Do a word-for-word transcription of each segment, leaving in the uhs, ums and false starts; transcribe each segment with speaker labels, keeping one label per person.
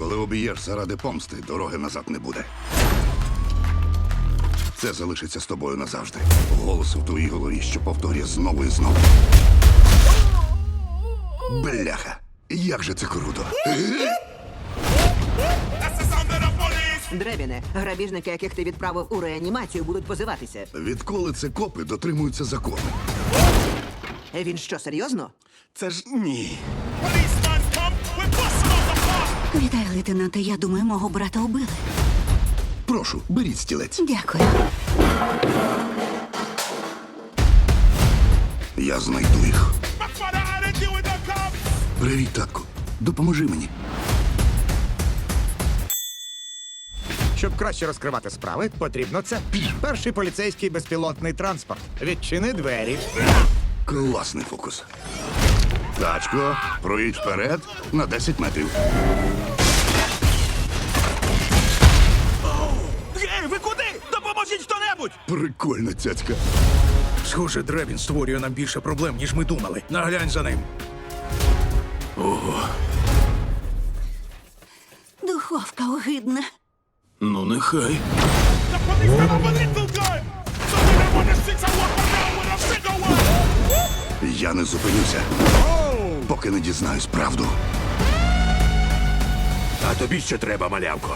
Speaker 1: Коли обієш заради помсти, дороги назад не буде. Це залишиться з тобою назавжди. Голос в твоїй голові, що повторює знову і знову. Бляха, як же це круто.
Speaker 2: Дребіне, грабіжники, яких ти відправив у реанімацію, будуть позиватися.
Speaker 1: Відколи це копи дотримуються закону?
Speaker 2: Він що, серйозно?
Speaker 1: Це ж ні.
Speaker 3: Вітаю, лейтенанте. Я думаю, мого брата убили.
Speaker 1: Прошу, беріть стілець.
Speaker 3: Дякую.
Speaker 1: Я знайду їх. Привіт, татку. Допоможи мені.
Speaker 4: Щоб краще розкривати справи, потрібно це. Перший поліцейський безпілотний транспорт. Відчини двері.
Speaker 1: Класний фокус. Тачко, проїдь вперед на десять метрів.
Speaker 5: Ей, ви куди? Допоможіть хто-небудь!
Speaker 1: Прикольна цяцька.
Speaker 5: Схоже, Дребін створює нам більше проблем, ніж ми думали. Наглянь за ним.
Speaker 3: Духовка огидна.
Speaker 5: Ну, нехай.
Speaker 1: Я не зупинюся, поки не дізнаюсь правду.
Speaker 5: А тобі ще треба, малявко.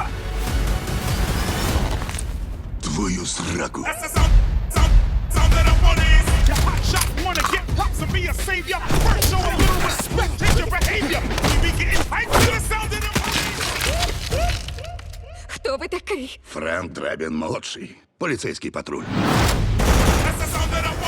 Speaker 1: Твою зраку.
Speaker 3: Хто ви такий?
Speaker 1: Френк Дребін молодший. Поліцейський патруль.